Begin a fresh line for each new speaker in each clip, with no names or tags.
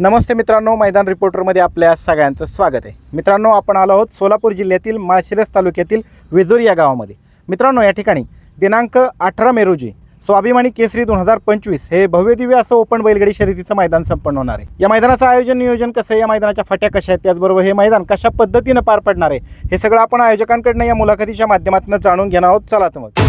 नमस्ते मित्रांनो, मैदान रिपोर्टरमध्ये आपल्या सगळ्यांचं स्वागत आहे. मित्रांनो, आपण आलो आहोत सोलापूर जिल्ह्यातील माळशिरस तालुक्यातील वेजूर या गावामध्ये. मित्रांनो, या ठिकाणी दिनांक 18 मे रोजी स्वाभिमानी केसरी 2025 हे भव्यदिव्य असं ओपन बैलगाडी शर्यतीचं मैदान संपन्न होणार आहे. या मैदानाचं आयोजन नियोजन कसं आहे, या मैदानाच्या फाट्या कशा आहेत, त्याचबरोबर हे मैदान कशा पद्धतीनं पार पडणार आहे, हे सगळं आपण आयोजकांकडनं या मुलाखतीच्या माध्यमातून जाणून घेणार आहोत. चला तर मग.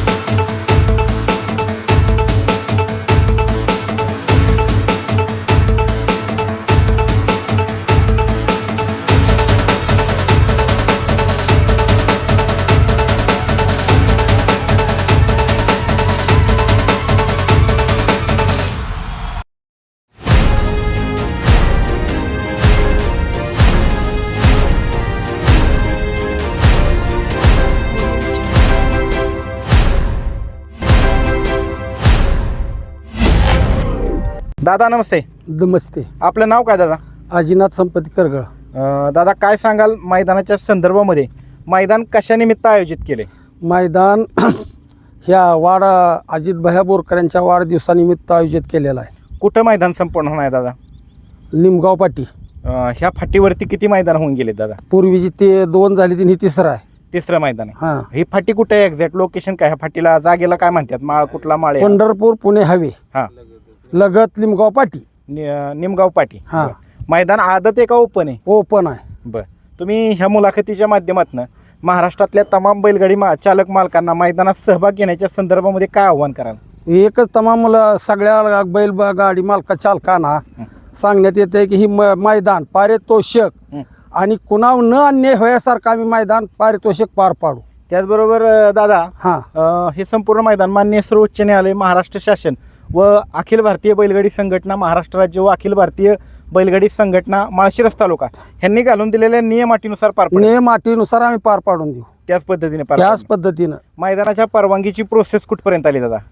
दादा नमस्ते.
नमस्ते.
आपलं नाव काय दादा?
आजीनाथ संपत्ती करगळ.
दादा, काय सांगाल मैदानाच्या संदर्भामध्ये? मैदान कशानिमित्त आयोजित केले?
मैदान ह्या अजित भैया बोरकर यांच्या वाढदिवसानिमित्त आयोजित केलेला आहे.
कुठं मैदान संपन्न होणार आहे दादा?
निमगाव पाटी.
ह्या फाटीवरती किती मैदान होऊन गेले दादा?
पूर्वीची ते 2 झाली, ती तिसरं आहे.
तिसरं मैदान आहे.
हां.
ही फाटी कुठे आहे? एक्झॅक्ट लोकेशन काय? ह्या फाटीला जागेला काय म्हणतात? माळ कुठला माळ आहे?
पंढरपूर पुणे हायवे
हां,
लगत निमगाव पाटी.
निमगाव पाटी.
हां.
मैदान आदत आहे का ओपन आहे?
ओपन आहे.
बरं, तुम्ही ह्या मुलाखतीच्या माध्यमातून महाराष्ट्रातल्या तमाम बैलगाडी चालक मालकांना मैदानात सहभाग घेण्याच्या संदर्भामध्ये काय आव्हान कराल?
एकच तमाम सगळ्या बैलगाडी मालका चालकांना सांगण्यात येते की ही मैदान पारितोषिक आणि कुणावर न अन्याय होण्यासारखं आम्ही मैदान पारितोषिक पार पाडू.
त्याचबरोबर दादा,
हां.
हे संपूर्ण मैदान माननीय सर्वोच्च न्यायालय, महाराष्ट्र शासन व अखिल भारतीय बैलगाडी संघटना महाराष्ट्र राज्य व अखिल भारतीय बैलगाडी संघटना माळशिरस तालुका यांनी घालून दिलेल्या नियमाटीनुसार पार पडेल.
नियमाटीनुसार आम्ही पार पाडून देऊ.
त्याच पद्धतीने
त्याच पद्धतीनं
मैदानाच्या परवानगीची प्रोसेस कुठपर्यंत आली दादा?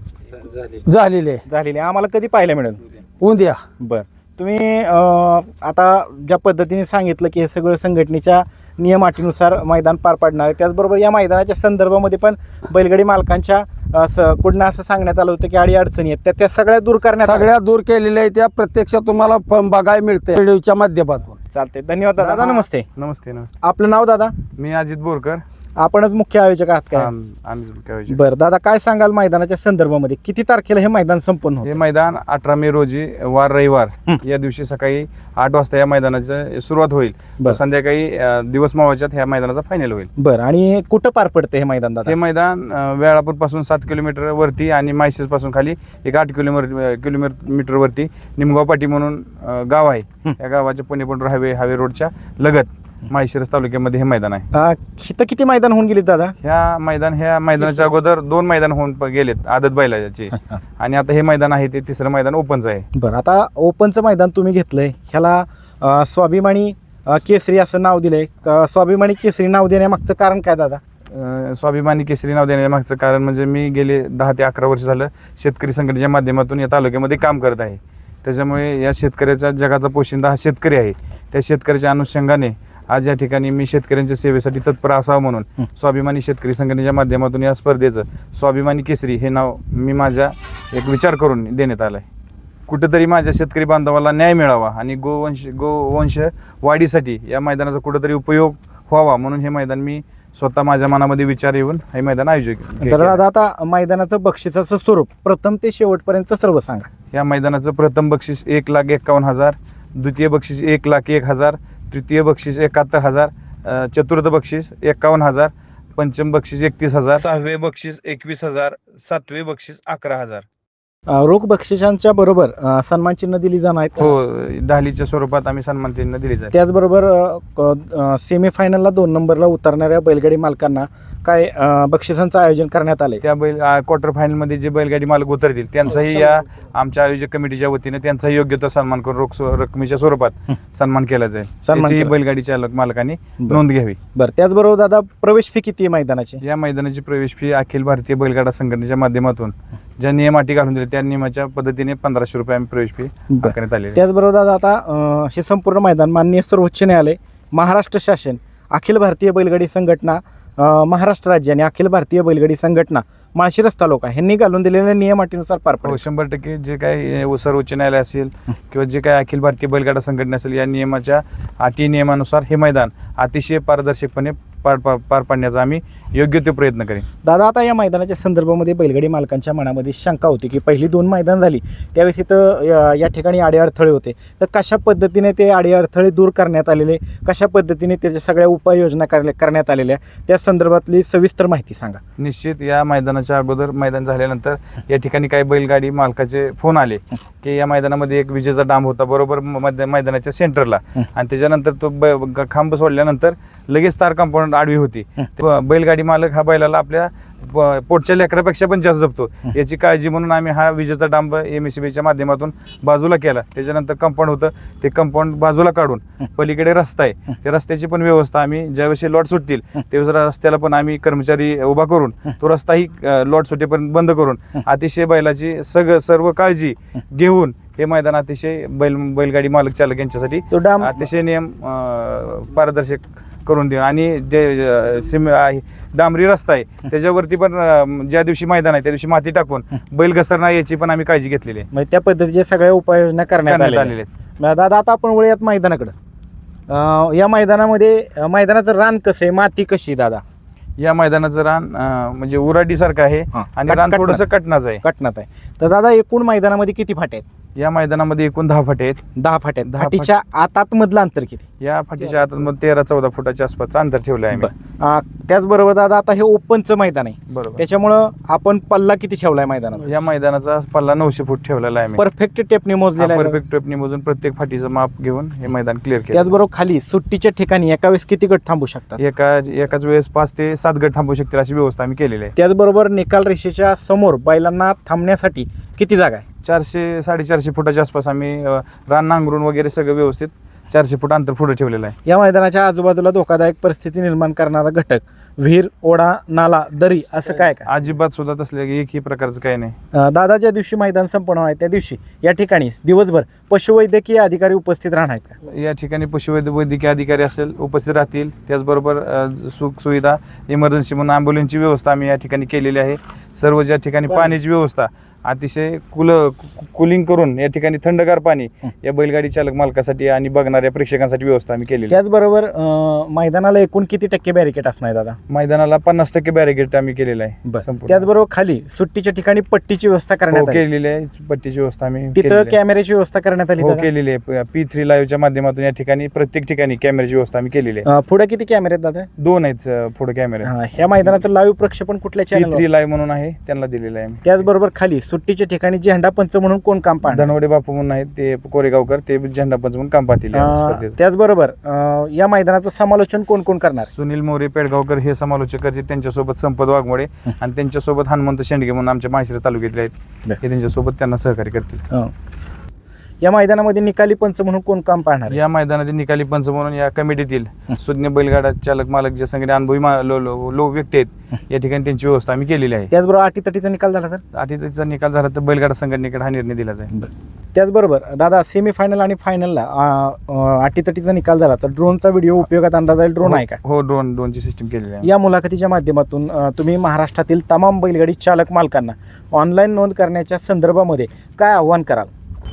झालेले
झालेली. आम्हाला कधी पाहायला मिळेल?
उद्या.
बरं, तुम्ही आता ज्या पद्धतीने सांगितलं की हे सगळं संघटनेच्या नियमाटीनुसार मैदान पार पाडणार आहे, त्याचबरोबर या मैदानाच्या संदर्भामध्ये पण बैलगाडी मालकांच्या कुठं असं सांगण्यात आलं होतं की अडीअडचणी आहेत, त्या सगळ्या दूर करण्यात
सगळ्या दूर केलेल्या आहेत. त्या प्रत्यक्ष तुम्हाला बघायला मिळते व्हिडिओच्या माध्यमातून.
चालते. धन्यवाद दादा. नमस्ते.
नमस्ते. नमस्ते.
आपलं नाव दादा?
मी अजित बोरकर.
आपणच मुख्य आयोजक आहात काय?
आम्ही मुख्य आयोजक.
बरं दादा, काय सांगाल मैदानाच्या संदर्भामध्ये? किती तारखेला हे मैदान संपन्न
हे
होतं?
मैदान 18 मे रोजी वार रविवार या दिवशी सकाळी 8 वाजता या मैदानाची सुरुवात होईल.
बरं.
संध्याकाळी दिवस मावळच्यात ह्या मैदानाचा फायनल होईल.
बरं, आणि कुठं पार पडते हे मैदान दादा?
हे मैदान वेळापूर पासून 7 किलोमीटर वरती आणि माळशिरस पासून खाली एक 8 किलोमीटर वरती निमगाव पाटी म्हणून गाव आहे. या गावाच्या पुणे पंढरपूर हायवे रोडच्या लगत माळशिरस तालुक्यामध्ये हे मैदान आहे.
इथं किती मैदान होऊन गेले दादा?
ह्या मैदानाच्या अगोदर 2 मैदान होऊन गेलेत आदत बैलाचे आणि आता हे मैदान आहे ते तिसरं मैदान ओपनचं आहे.
बरं, आता ओपनचं मैदान तुम्ही घेतलंय, ह्याला स्वाभिमानी केसरी असं नाव दिलंय. स्वाभिमानी केसरी नाव देण्यामागचं कारण काय दादा?
स्वाभिमानी केसरी नाव देण्यामागचं कारण म्हणजे मी गेले 10 ते 11 वर्ष झालं शेतकरी संघटनेच्या माध्यमातून या तालुक्यामध्ये काम करत आहे. त्याच्यामुळे या शेतकऱ्याच्या जगाचा पोशिंदा हा शेतकरी आहे. त्या शेतकऱ्याच्या अनुषंगाने आज या ठिकाणी मी शेतकऱ्यांच्या सेवेसाठी तत्पर असावं म्हणून स्वाभिमानी शेतकरी संघटनेच्या माध्यमातून या स्पर्धेचं स्वाभिमानी केसरी हे नाव मी माझ्या एक विचार करून देण्यात आलं आहे. कुठंतरी माझ्या शेतकरी बांधवाला न्याय मिळावा आणि गोवंश वाढीसाठी या मैदानाचा कुठंतरी उपयोग व्हावा म्हणून हे मैदान मी स्वतः माझ्या मनामध्ये विचार येऊन हे मैदान आयोजित केलं.
तर दादा, आता मैदानाचं बक्षिसाचं स्वरूप प्रथम ते शेवटपर्यंत सर्व सांगा.
या मैदानाचं प्रथम बक्षीस 1,51,000, द्वितीय बक्षीस 1,01,000, तृतीय बक्षीस 71,000, चतुर्थ बक्षीस 51,000, पंचम बक्षीस 31,000, 6वे बक्षीस 21,000, 7वे बक्षीस 11,000.
रोख बक्षिसांच्या बरोबर सन्मान चिन्ह दिली जाणार आहेत.
हो, दहलीच्या स्वरूपात आम्ही सन्मान चिन्ह दिले जाते.
त्याचबरोबर सेमीफायनलला 2 नंबरला उतरणाऱ्या बैलगाडी मालकांना काय बक्षिसांचं आयोजन करण्यात आले?
त्या क्वार्टर फायनलमध्ये जे बैलगाडी मालक उतरतील त्यांचाही या आमच्या आयोजक कमिटीच्या वतीने त्यांचाही योग्य तो सन्मान करून रोख रकमेच्या स्वरूपात सन्मान केला जाईल. त्याची बैलगाडी चालक मालकांनी नोंद घ्यावी.
बरं, त्याचबरोबर दादा, प्रवेश फी किती आहे मैदानाची?
या मैदानाची प्रवेश फी अखिल भारतीय बैलगाडा संघटनेच्या माध्यमातून ज्या नियमाटी घालून दिल्या त्या नियमाच्या पद्धतीने 1,500 रुपये आम्ही प्रवेश फी करण्यात आली.
त्याचबरोबर दादा, आता हे संपूर्ण मैदान माननीय सर्वोच्च न्यायालय, महाराष्ट्र शासन, अखिल भारतीय बैलगाडी संघटना महाराष्ट्र राज्य आणि अखिल भारतीय बैलगाडी संघटना माळशिरस तालुका ह्यांनी घालून दिलेल्या नियम अटीनुसार पार
हो,
पडेल.
100% जे काही सर्वोच्च न्यायालय असेल किंवा जे काही अखिल भारतीय बैलगाडा संघटना असेल या नियमाच्या अटी नियमानुसार हे मैदान अतिशय पारदर्शकपणे पार पाडण्याचा आम्ही योग्य ते प्रयत्न करेन.
दादा, आता या मैदानाच्या संदर्भामध्ये बैलगाडी मालकांच्या मनामध्ये शंका होती की पहिली 2 मैदान झाली त्यावेळेस इथं या ठिकाणी अडीअडथळे होते, तर कशा पद्धतीने ते अडीअडथळे दूर करण्यात आलेले, कशा पद्धतीने त्याच्या सगळ्या उपाययोजना करण्यात आलेल्या त्या संदर्भातली सविस्तर माहिती सांगा.
निश्चित या मैदानाच्या अगोदर मैदान झाल्यानंतर या ठिकाणी काही बैलगाडी मालकाचे फोन आले की या मैदानामध्ये एक विजेचा डांब होता बरोबर मैदानाच्या सेंटरला आणि त्याच्यानंतर तो खांब सोडल्यानंतर लगेच तार कंपाऊंड आडवी होती. बैलगाडी मालक हा बैलाला आपल्या पोटच्या लेकरापेक्षा पण जास्त जपतो याची काळजी म्हणून आम्ही हा विजेचा डांब MSBच्या माध्यमातून बाजूला केला. त्याच्यानंतर कंपाऊंड होतं ते कंपाऊंड बाजूला काढून पलीकडे रस्ता आहे त्या रस्त्याची पण व्यवस्था आम्ही ज्यावेळेस लॉट सुटतील त्यावेळेस रस्त्याला पण आम्ही कर्मचारी उभा करून तो रस्ताही लॉट सुटेपर्यंत बंद करून अतिशय बैलाची सर्व काळजी घेऊन हे मैदान अतिशय बैलगाडी मालक चालक यांच्यासाठी
तो डांब
अतिशय नियम पारदर्शक करून देऊ आणि जे डांबरी रस्ता आहे त्याच्यावरती पण ज्या दिवशी मैदान आहे त्या दिवशी माती टाकून बैल घसरणार याची पण आम्ही काळजी घेतलेली आहे.
म्हणजे त्या पद्धतीच्या सगळ्या उपाययोजना करण्यात आलेल्या
आलेले
आहेत. दादा, आता आपण वळूयात मैदानाकडं. या मैदानामध्ये मैदानाचं रान कसं आहे, माती कशी आहे दादा?
या मैदानाचं रान म्हणजे उराडीसारखं आहे आणि रान थोडंसं कटनाचं आहे.
कटनाचं आहे. तर दादा, एकूण मैदानामध्ये किती फाटे आहेत?
या मैदानामध्ये एकूण 10 फाटे आहेत.
10 फाटे आहेत.
10
फाटीच्या आतमधलं अंतर किती?
या फाटीच्या आतमध्ये 13-14 फुटाच्या आसपासचं अंतर ठेवलं आहे आम्ही.
त्याचबरोबर दादा, आता हे ओपनचं मैदान आहे
बरोबर.
त्याच्यामुळं आपण पल्ला किती ठेवलाय मैदानात?
या मैदानाचा पल्ला 900 फूट ठेवलेला आहे.
परफेक्ट टेपने मोजलेला आहे.
परफेक्ट टेपने मोजून प्रत्येक फाटीचं माप घेऊन हे मैदान क्लिअर केलं.
त्याचबरोबर खाली सुट्टीच्या ठिकाणी एका वेळेस किती गट थांबू शकतात?
एकाच वेळेस 5 ते 7 गट थांबू शकतील अशी व्यवस्था आम्ही केलेली आहे.
त्याचबरोबर निकाल रेषेच्या समोर बैलांना थांबण्यासाठी किती जागा आहे?
400-450 फुटाच्या आसपास आम्ही रान नांगरून वगैरे सगळं व्यवस्थित 400 फूट अंतर पुढे ठेवलेलं आहे.
या मैदानाच्या आजूबाजूला धोकादायक परिस्थिती निर्माण करणारा घटक, विहीर, ओढा, नाला, दरी असं काय का?
अजिबात सुद्धा तसले एकही प्रकारचं काही नाही.
दादा, ज्या दिवशी मैदान संपन्न आहे त्या दिवशी या ठिकाणी दिवसभर पशुवैद्यकीय अधिकारी उपस्थित राहणार आहेत का?
या ठिकाणी पशुवैद्यकीय अधिकारी असेल उपस्थित राहतील. त्याचबरोबर सुख सुविधा इमर्जन्सी म्हणून ॲम्ब्युलन्सची व्यवस्था आम्ही या ठिकाणी केलेली आहे. सर्व ज्या ठिकाणी पाण्याची व्यवस्था अतिशय कुलिंग करून या ठिकाणी थंडगार पाणी या बैलगाडी चालक मालकासाठी आणि बघणाऱ्या प्रेक्षकांसाठी व्यवस्था आम्ही केलेली.
त्याचबरोबर मैदानाला एकूण किती टक्के बॅरिकेड असणार दादा?
मैदानाला 50% बॅरिकेड आम्ही केलेलं आहे.
त्याचबरोबर खाली सुट्टीच्या ठिकाणी पट्टीची व्यवस्था करण्यात आली.
केलेली आहे. पट्टीची व्यवस्था आम्ही
तिथं कॅमेऱ्याची व्यवस्था करण्यात आली
केलेली आहे. P3 लाईव्हच्या माध्यमातून या ठिकाणी प्रत्येक ठिकाणी कॅमेऱ्याची व्यवस्था आम्ही केलेली आहे.
पुढे किती कॅमेरे आहेत दादा?
2 आहेत पुढे कॅमेरे.
ह्या मैदानाचं लाईव्ह प्रक्षेपण कुठल्या चॅनल?
P3 लाईव्ह म्हणून आहे त्यांना दिलेलं आहे.
त्याचबरोबर खाली सुट्टीच्या ठिकाणी झेंडा पंच म्हणून कोण काम पाहणार?
धनवडे बापू म्हणून आहेत ते कोरेगावकर, ते झेंडा पंच म्हणून काम पाहतील.
त्याचबरोबर या मैदानाचं समालोचन कोण कोण करणार?
सुनील मोरे पेडगावकर हे समालोचक करतील. त्यांच्यासोबत संपत वाघमोडे आणि त्यांच्यासोबत हनुमंत शेंडगे म्हणून आमच्या माळशिरस तालुक्यातले आहेत. हे त्यांच्यासोबत त्यांना सहकार्य करतील.
या मैदानामध्ये निकाली पंच म्हणून कोण काम पाहणार?
या मैदानाचे निकाली पंच म्हणून या कमिटीतील सुज्ञ बैलगाडा चालक मालक जे सगळे अनुभवी व्यक्ती आहेत या ठिकाणी त्यांची व्यवस्था आम्ही केलेली आहे.
त्याचबरोबर अटीतटीचा निकाल झाला तर?
अटीतटीचा निकाल झाला तर बैलगाडा संघटनेकडे हा निर्णय दिला जाईल.
त्याचबरोबर दादा, सेमीफायनल आणि फायनलला अटीतटीचा निकाल झाला तर ड्रोनचा व्हिडिओ उपयोगात आणला जाईल. ड्रोन आहे का?
हो, ड्रोनची सिस्टीम केलेली आहे.
या मुलाखतीच्या माध्यमातून तुम्ही महाराष्ट्रातील तमाम बैलगाडी चालक मालकांना ऑनलाईन नोंद करण्याच्या संदर्भामध्ये काय आव्हान कराल?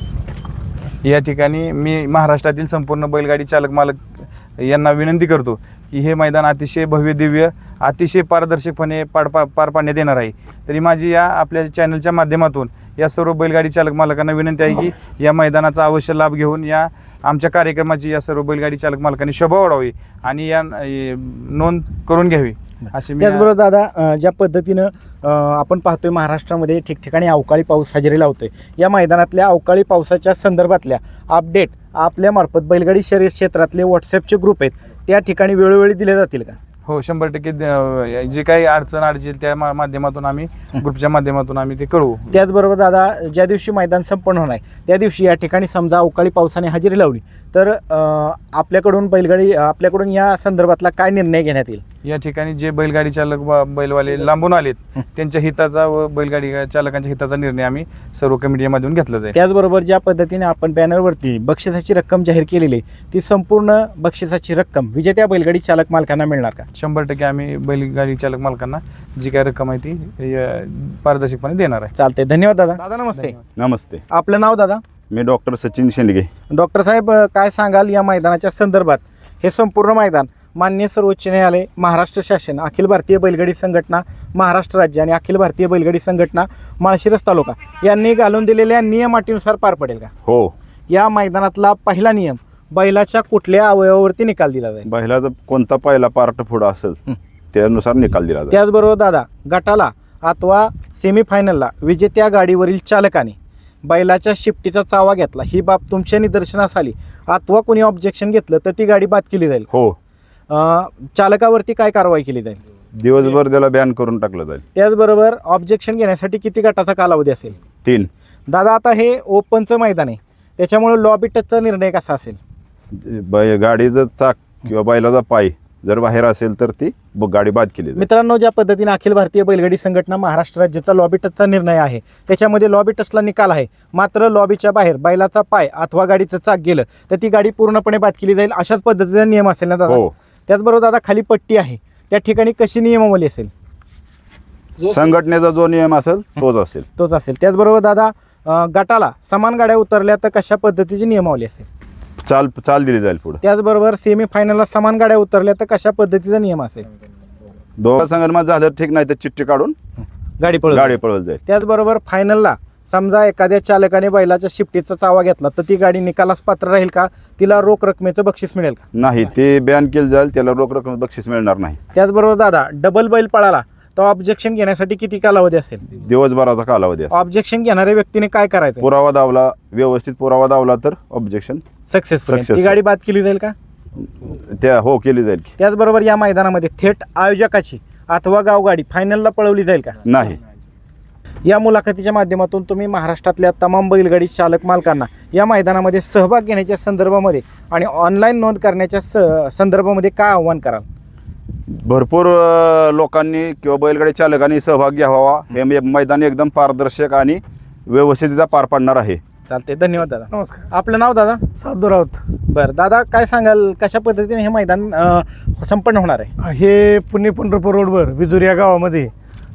या ठिकाणी मी महाराष्ट्रातील संपूर्ण बैलगाडी चालक मालक यांना विनंती करतो की हे मैदान अतिशय भव्य दिव्य अतिशय पारदर्शकपणे पार पाडण्यात येणार आहे. तरी माझी या आपल्या चॅनलच्या माध्यमातून या सर्व बैलगाडी चालक मालकांना विनंती आहे की या मैदानाचा अवश्य लाभ घेऊन या आमच्या कार्यक्रमाची या सर्व बैलगाडी चालक मालकांनी शोभा वाढवावी आणि या नोंद करून घ्यावी असे.
त्याचबरोबर दादा, ज्या पद्धतीनं आपण पाहतोय महाराष्ट्रामध्ये ठिकठिकाणी अवकाळी पाऊस हजेरी लावतोय, या मैदानातल्या अवकाळी पावसाच्या संदर्भातल्या अपडेट आपल्यामार्फत बैलगाडी शर्यत क्षेत्रातले व्हॉट्सअपचे ग्रुप आहेत त्या ठिकाणी वेळोवेळी दिले जातील का?
हो, 100% जे काही अडचण अडचण त्या माध्यमातून आम्ही ग्रुपच्या माध्यमातून आम्ही ते कळवू.
त्याचबरोबर दादा, ज्या दिवशी मैदान संपन्न होणार आहे त्या दिवशी या ठिकाणी समजा अवकाळी पावसाने हजेरी लावली तर आपल्याकडून या संदर्भातला काय निर्णय घेण्यात येईल?
या ठिकाणी जे बैलगाडी चालक बैलवाले लांबून आलेत त्यांच्या हिताचा व बैलगाडी चालकांच्या हिताचा निर्णय आम्ही सर्व कमिटीमधून घेतला जाईल.
त्याचबरोबर ज्या पद्धतीने आपण बॅनरवरती बक्षिसाची रक्कम जाहीर केलेली आहे, ती संपूर्ण बक्षिसाची रक्कम विजेत्या बैलगाडी चालक मालकांना मिळणार का?
100% आम्ही बैलगाडी चालक मालकांना जी काय रक्कम आहे ती पारदर्शकपणे देणार आहे.
चालते, धन्यवाद दादा. दादा नमस्ते.
नमस्ते.
आपलं नाव दादा?
मी डॉक्टर सचिन शेंडगे.
डॉक्टर साहेब, काय सांगाल या मैदानाच्या संदर्भात? हे संपूर्ण मैदान माननीय सर्वोच्च न्यायालय, महाराष्ट्र शासन, अखिल भारतीय बैलगाडी संघटना महाराष्ट्र राज्य आणि अखिल भारतीय बैलगाडी संघटना माळशिरस तालुका यांनी घालून दिलेल्या नियम अटीनुसार पार पडेल का?
हो.
या मैदानातला पहिला नियम, बैलाच्या कुठल्या अवयवावरती निकाल दिला जाईल?
बैलाचा कोणता पहिला पार्ट पुढं असेल त्यानुसार निकाल दिला जाईल.
त्याचबरोबर दादा, गटाला अथवा सेमीफायनलला विजेत्या गाडीवरील चालकाने बैलाच्या शिफ्टीचा चावा घेतला, ही बाब तुमच्या निदर्शनास आली अथवा कोणी ऑब्जेक्शन घेतलं तर ती गाडी बाद केली जाईल.
हो.
चालकावरती काय कारवाई केली जाईल?
दिवसभर त्याला बॅन करून टाकलं जाईल.
त्याचबरोबर ऑब्जेक्शन घेण्यासाठी किती गटाचा कालावधी असेल?
3.
दादा, आता हे ओपनचं मैदान आहे, त्याच्यामुळे लॉबी टचचा निर्णय कसा असेल?
गाडीचं चाक किंवा बैलाचा पाय जर बाहेर असेल तर ती गाडी बाद केली जाईल.
मित्रांनो, ज्या पद्धतीने अखिल भारतीय बैलगाडी संघटना महाराष्ट्र राज्याचा लॉबी टचचा निर्णय आहे, त्याच्यामध्ये लॉबी टचला निकाल आहे, मात्र लॉबीच्या बाहेर बैलाचा पाय अथवा गाडीचं चाक गेलं तर ती गाडी पूर्णपणे बाद केली जाईल, अशाच पद्धतीचा नियम असेल ना दादा?
हो.
त्याचबरोबर दादा, खाली पट्टी आहे, त्या ठिकाणी कशी नियमावली असेल?
संघटनेचा जो नियम असेल तोच असेल.
तोच असेल. त्याचबरोबर दादा, गटाला समान गाड्या उतरल्या तर कशा पद्धतीची नियमावली असेल?
चाल दिली जाईल पुढे.
त्याचबरोबर सेमीफायनलला समान गाड्या उतरल्या तर कशा पद्धतीचा नियम असेल?
दोघा संगणमत झालं ठीक, नाही तर चिठ्ठी काढून
गाडी
पळवली जाईल.
त्याचबरोबर फायनलला समजा एखाद्या चालकाने बैलाच्या शिफ्टीचा चावा घेतला तर ती गाडी निकालास पात्र राहील का? तिला रोख रकमेचं बक्षीस मिळेल का?
नाही, ते बॅन केलं जाईल, त्याला रोख रक्कम बक्षीस मिळणार नाही.
त्याचबरोबर दादा, डबल बैल पळाला तर ऑब्जेक्शन घेण्यासाठी किती कालावधी असेल?
दिवसभराचा कालावधी असेल.
ऑब्जेक्शन घेणाऱ्या व्यक्तीने काय करायचं?
पुरावा दावला, व्यवस्थित पुरावा दावला तर ऑब्जेक्शन
सक्सेसफुल. ती गाडी बाद केली जाईल का?
हो, केली जाईल.
त्याचबरोबर या मैदानामध्ये थेट आयोजकाची अथवा गावगाडी फायनलला पळवली जाईल का?
नाही.
या मुलाखतीच्या माध्यमातून तुम्ही महाराष्ट्रातल्या तमाम बैलगाडी चालक मालकांना या मैदानामध्ये सहभाग घेण्याच्या संदर्भामध्ये आणि ऑनलाईन नोंद करण्याच्या संदर्भामध्ये काय आव्हान कराल?
भरपूर लोकांनी किंवा बैलगाडी चालकांनी सहभाग घ्यावा. हे मैदान एकदम पारदर्शक आणि व्यवस्थितरित्या पार पाडणार आहे.
चालते, धन्यवाद दादा.
नमस्कार.
आपलं नाव दादा?
साधू राऊत.
बरं दादा, काय सांगाल कशा पद्धतीने हे मैदान संपन्न होणार आहे?
हे पुणे पंढरपूर रोडवर विजूर या गावामध्ये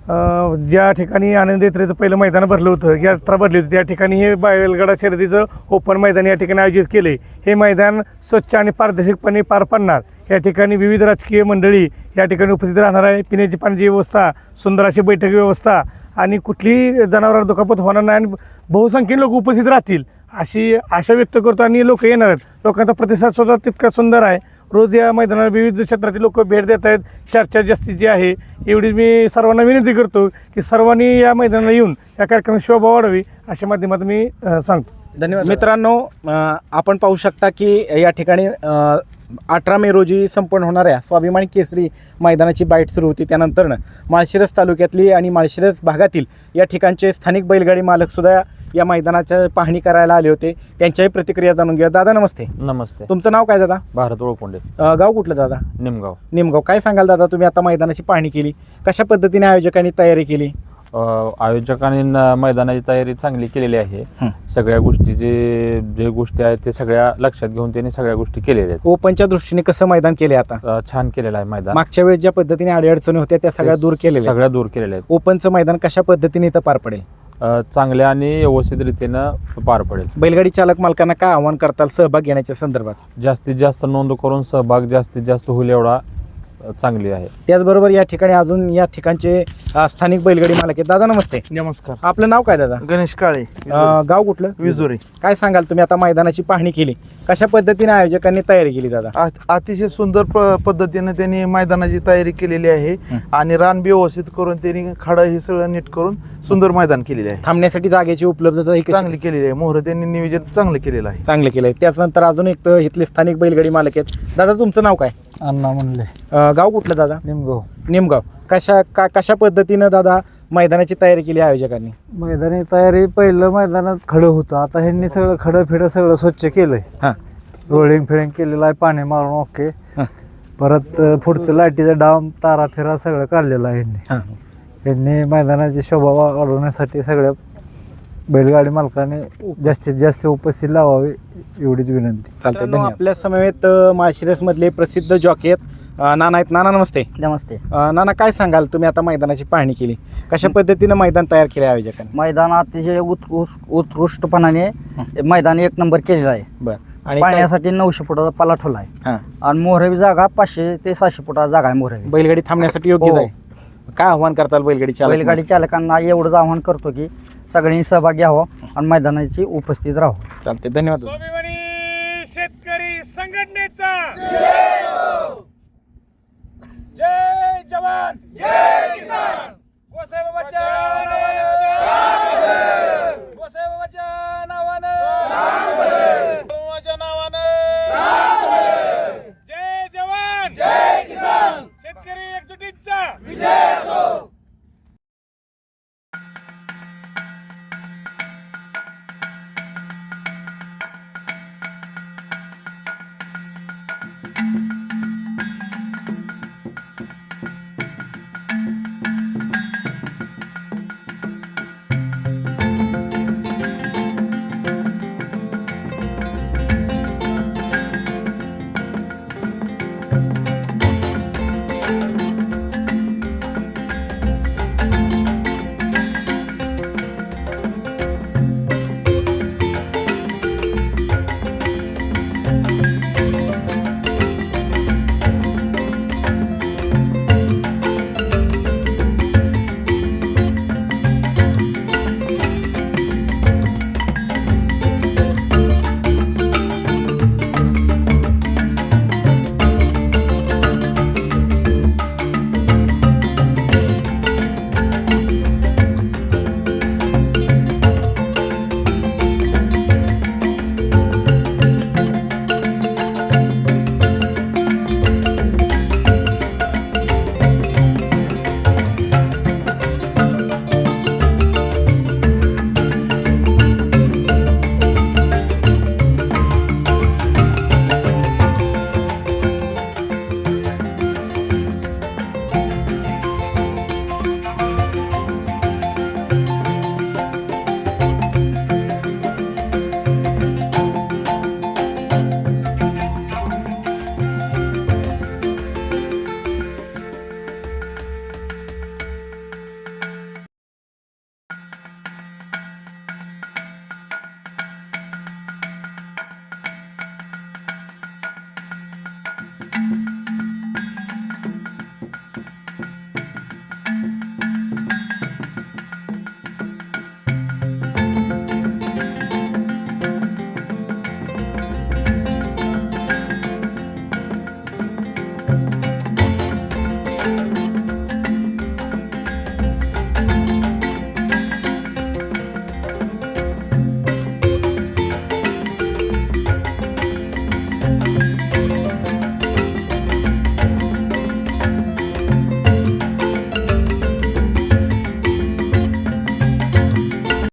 ज्या ठिकाणी आनंद यात्रेचं पहिलं मैदान भरलं होतं, यात्रा भरली होती, त्या ठिकाणी हे बैलगाडा शर्यतीचं ओपन मैदान या ठिकाणी आयोजित केले. हे मैदान स्वच्छ आणि पारदर्शकपणे पार पाडणार. या ठिकाणी विविध राजकीय मंडळी या ठिकाणी उपस्थित राहणार आहे. पिण्याची पाण्याची व्यवस्था, सुंदर अशी बैठक व्यवस्था आणि कुठलीही जनावरांना दुखापत होणार नाही आणि बहुसंख्येने लोक उपस्थित राहतील अशी आशा व्यक्त करतो आणि लोक येणार आहेत. लोकांचा प्रतिसाद सुद्धा तितका सुंदर आहे. रोज या मैदानाला विविध क्षेत्रातील लोक भेट देत आहेत. चर्चा जास्तीची आहे. एवढी मी सर्वांना विनंती करतो की सर्वांनी या मैदानाला येऊन या कार्यक्रमाची शोभा वाढावी अशा माध्यमातून मी सांगतो.
धन्यवाद. मित्रांनो, आपण पाहू शकता की या ठिकाणी 18 मे रोजी संपन्न होणाऱ्या स्वाभिमानी केसरी मैदानाची बाईट सुरू होती. त्यानंतरनं माळशिरस तालुक्यातली आणि माळशिरस भागातील या ठिकाणचे स्थानिक बैलगाडी मालकसुद्धा या मैदानाच्या पाहणी करायला आले होते. त्यांच्याही प्रतिक्रिया जाणून घेऊया. दादा नमस्ते.
नमस्ते.
तुमचं नाव काय दादा?
भारत ओळखोंडे.
गाव कुठलं दादा?
निमगाव.
निमगाव. काय सांगाल दादा, तुम्ही आता मैदानाची पाहणी केली, कशा पद्धतीने आयोजकांनी तयारी केली?
आयोजकांनी मैदानाची तयारी चांगली केलेली आहे. सगळ्या गोष्टी जे गोष्टी आहेत ते सगळ्या लक्षात घेऊन त्यांनी सगळ्या गोष्टी केलेल्या आहेत.
ओपनच्या दृष्टीने कसं मैदान केले आता?
छान केलेलं आहे मैदान.
मागच्या वेळेस ज्या पद्धतीने अडीअडचणी होत्या त्या सगळ्या दूर केलेल्या,
सगळ्या दूर केलेल्या आहेत.
ओपनचं मैदान कशा पद्धतीने इथं पार पडेल?
चांगल्या आणि व्यवस्थित रीतीनं पार पडेल.
बैलगाडी चालक मालकांना काय आव्हान करताल सहभाग घेण्याच्या संदर्भात?
जास्तीत जास्त नोंद करून सहभाग जास्तीत जास्त होईल एवढा चांगली आहे.
त्याचबरोबर या ठिकाणी अजून या ठिकाणचे स्थानिक बैलगाडी मालक आहेत. दादा नमस्ते.
नमस्कार.
आपलं नाव काय दादा?
गणेश काळे.
गाव कुठलं?
विजोरी.
काय सांगाल तुम्ही आता मैदानाची पाहणी केली, कशा पद्धतीने आयोजकांनी तयारी केली दादा?
अतिशय सुंदर पद्धतीने त्यांनी मैदानाची तयारी केलेली आहे आणि रान व्यवस्थित करून त्यांनी खडं हे सगळं नीट करून सुंदर मैदान केलेले आहे.
थांबण्यासाठी जागेची उपलब्धता ही कशी?
चांगली केलेली आहे. मोहर त्यांनी नियोजन चांगलं केलेलं आहे.
चांगलं केलंय. त्याच्यानंतर अजून एक तर इथले स्थानिक बैलगाडी मालक आहेत. दादा तुमचं नाव काय?
अण्णा म्हणले.
गाव कुठलं दादा?
निमगाव.
निमगाव. कशा पद्धतीनं दादा मैदानाची तयारी केली आयोजकांनी?
मैदानी तयारी पहिलं मैदानात खडं होतं, आता ह्यांनी सगळं खडं फिडं सगळं स्वच्छ केलंय.
हां.
रोलिंग फिडिंग केलेलं आहे, पाणी मारून ओके. परत पुढचं लाईटीचं डाम तारा फिरा सगळं काढलेलं आहे
हां.
यांनी मैदानाची शोभा वाढवण्यासाठी सगळ्या बैलगाडी मालकाने जास्तीत जास्त उपस्थित लावावी एवढीच विनंती.
चालते. आपल्या समवेत माळशिरस मधले प्रसिद्ध जॉकी आहेत नाना आहेत. नाना नमस्ते.
नमस्ते.
नाना काय सांगाल, तुम्ही आता मैदानाची पाहणी केली, कशा पद्धतीनं मैदान तयार केले आयोजकांनी?
मैदान अतिशय उत्कृष्टपणाने मैदान एक नंबर केलेलं आहे.
बरं. आणि काय-
पाण्यासाठी 900 फुटाचा पाला ठेवला आहे
हां.
आणि मोहरवी जागा 500 ते 600 फुटाचा जागा आहे मोहरवी.
बैलगाडी थांबण्यासाठी योग्य
हो.
आहे. काय आव्हान करताल बैलगाडी चालक?
बैलगाडी चालकांना एवढंच आवाहन करतो की सगळ्यांनी सहभाग घ्यावा आणि मैदानाची उपस्थित राहावं.
चालते. धन्यवाद.
शेतकरी संघटनेचा जय जवान जय किसान. गोसाईबाबाच्या नावानं गोसाईबाबाच्या नावानं